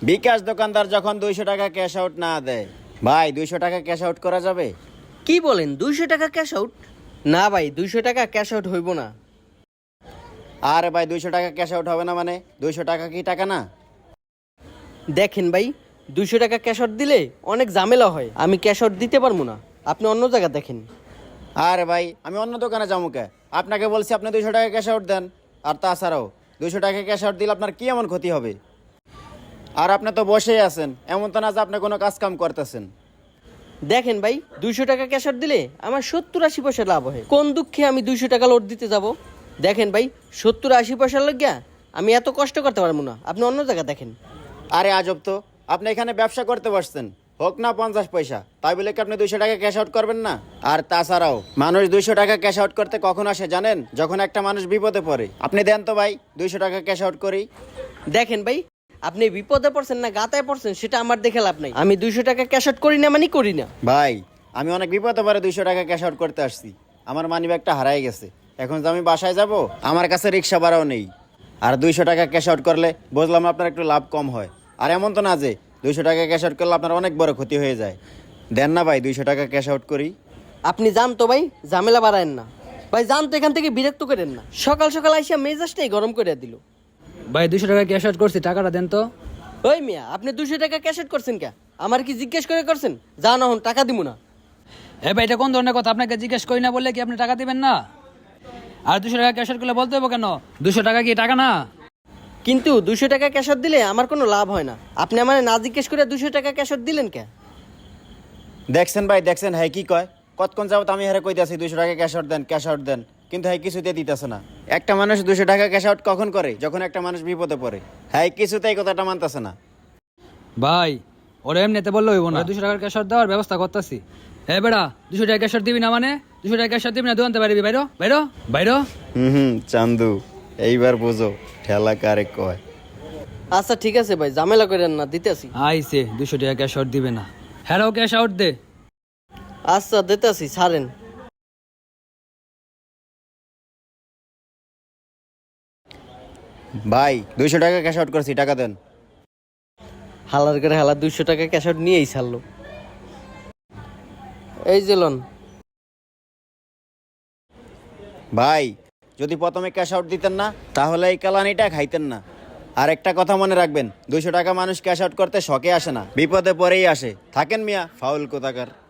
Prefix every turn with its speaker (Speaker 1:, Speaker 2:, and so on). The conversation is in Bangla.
Speaker 1: বিকাশ দোকানদার যখন 200 টাকা ক্যাশ আউট না দেয়, ভাই 200 টাকা ক্যাশ আউট করা যাবে?
Speaker 2: কি বলেন 200 টাকা ক্যাশ আউট? না ভাই 200 টাকা ক্যাশ আউট হইব না।
Speaker 1: আরে ভাই 200 টাকা ক্যাশ আউট হবে না মানে? 200 টাকা কি টাকা না?
Speaker 2: দেখেন ভাই 200 টাকা ক্যাশ আউট দিলে অনেক ঝামেলা হয়, আমি ক্যাশ আউট দিতে পারবো না, আপনি অন্য জায়গা দেখেন।
Speaker 1: আরে ভাই আমি অন্য দোকানে যাবো কে? আপনাকে বলছি আপনি 200 টাকা ক্যাশ আউট দেন। আর তাছাড়াও 200 টাকা ক্যাশ আউট দিলে আপনার কি এমন ক্ষতি হবে? আর আপনি তো বসেই আছেন, এমন তো না যে আপনি কোনো কাজ কাম করতেছেন।
Speaker 2: দেখেন ভাই 200 টাকা ক্যাশ আউট দিলে আমার 70-80 পয়সা লাভ হয়, কোন দুঃখে আমি 200 টাকা লোড দিতে যাব? দেখেন ভাই 70-80 পয়সার লাগিয়া আমি এত কষ্ট করতে পারবো না, আপনি অন্য জায়গা দেখেন।
Speaker 1: আরে আজব তো, আপনি এখানে ব্যবসা করতে বসছেন, হোক না 50 পয়সা, তাই বলে কি আপনি 200 টাকা ক্যাশ আউট করবেন না? আর তাছাড়াও মানুষ 200 টাকা ক্যাশ আউট করতে কখন আসে জানেন? যখন একটা মানুষ বিপদে পড়ে। আপনি দেন তো ভাই 200 টাকা ক্যাশ আউট করি।
Speaker 2: দেখেন ভাই আপনি বিপদে পড়ছেন না গাতায় পড়ছেন সেটা আমার দেখে লাভ নাই, আমি 200 টাকা ক্যাশ আউট করি না মানে করি না।
Speaker 1: ভাই আমি অনেক বিপদে পড়ে 200 টাকা ক্যাশ আউট করতে আসছি, আমার মানিব্যাগটা হারাই গেছে। এখন যে আমি বাসায় যাব, আমার কাছে রিক্সা ভাড়াও নেই। আর 200 টাকা ক্যাশ আউট করলে বুঝলাম আপনার একটু লাভ কম হয়। আর এমন তো না যে 200 টাকা ক্যাশ আউট করলে আপনার অনেক বড় ক্ষতি হয়ে যায়। দেন না ভাই 200 টাকা ক্যাশ আউট করি।
Speaker 2: আপনি যান তো ভাই, ঝামেলা বাড়ায়েন না ভাই, যান তো এখান থেকে, বিরক্ত করেন না। সকাল সকাল আইসা মেজাজটাই গরম করে দিল।
Speaker 3: ভাই 200 টাকা ক্যাশ আউট করছি, টাকাটা দেন তো।
Speaker 2: ওই মিয়া আপনি 200 টাকা ক্যাশ আউট করছেন কে? আমার কি জিজ্ঞেস করে করছেন? যান এখন টাকা দিব না।
Speaker 3: হ্যাঁ ভাই এটা কোন ধরনের কথা? আপনাকে জিজ্ঞেস করি না বললে কি আপনি টাকা দিবেন না? আর 200 টাকা ক্যাশ আউট করলে বলতে হবে কেন? 200 টাকা কি টাকা না?
Speaker 2: কিন্তু 200 টাকা ক্যাশ আউট দিলে আমার কোনো লাভ হয় না, আপনি আমার না জিজ্ঞেস করে 200 টাকা ক্যাশ আউট দিলেন কে?
Speaker 1: দেখছেন ভাই দেখছেন, হ্যাঁ কি কয়? কতক্ষণ যাবত আমি হেরে কইতাছি 200 টাকা ক্যাশ আউট দেন, ক্যাশ আউট দেন, কিন্তু হ্যাঁ কিছুতে দিতেছে না। একটা মানুষ 200 টাকা ক্যাশ আউট কখন করে? যখন একটা মানুষ বিপদে পড়ে। হ্যাঁ কিছুতে এই কথাটা মানতেছে না।
Speaker 3: ভাই ওরা এমনিতে বললে হইব না, 200 টাকার ক্যাশ আউট দেওয়ার ব্যবস্থা করতেছি। হ্যাঁ বেড়া 200 টাকা ক্যাশ আউট দিবি না মানে? 200 টাকা ক্যাশ আউট দিবি না, দোকানতে পারবি? বাইরো বাইরো বাইরো।
Speaker 1: চান্দু এইবার বুঝো ঠেলা কারে কয়।
Speaker 2: আচ্ছা ঠিক আছে ভাই, ঝামেলা করেন না, দিতেছি।
Speaker 3: আইসে 200 টাকা ক্যাশ আউট দিবে না, হ্যাঁ ক্যাশ আউট দে।
Speaker 2: আচ্ছা দিতেছি, ছাড়েন।
Speaker 1: ভাই 200 টাকা ক্যাশ আউট করছি, টাকা দেন।
Speaker 2: হালার করে হালা 200 টাকা ক্যাশ আউট নিয়েই ছাড়লো। এই যে লোন।
Speaker 1: ভাই যদি প্রথমে ক্যাশ আউট দিতেন না, তাহলে এই কালানিটা খাইতেন না। আর একটা কথা মনে রাখবেন, 200 টাকা মানুষ ক্যাশ আউট করতে শখে আসে না, বিপদে পড়েই আসে। থাকেন মিয়া ফাউল কোথাকার।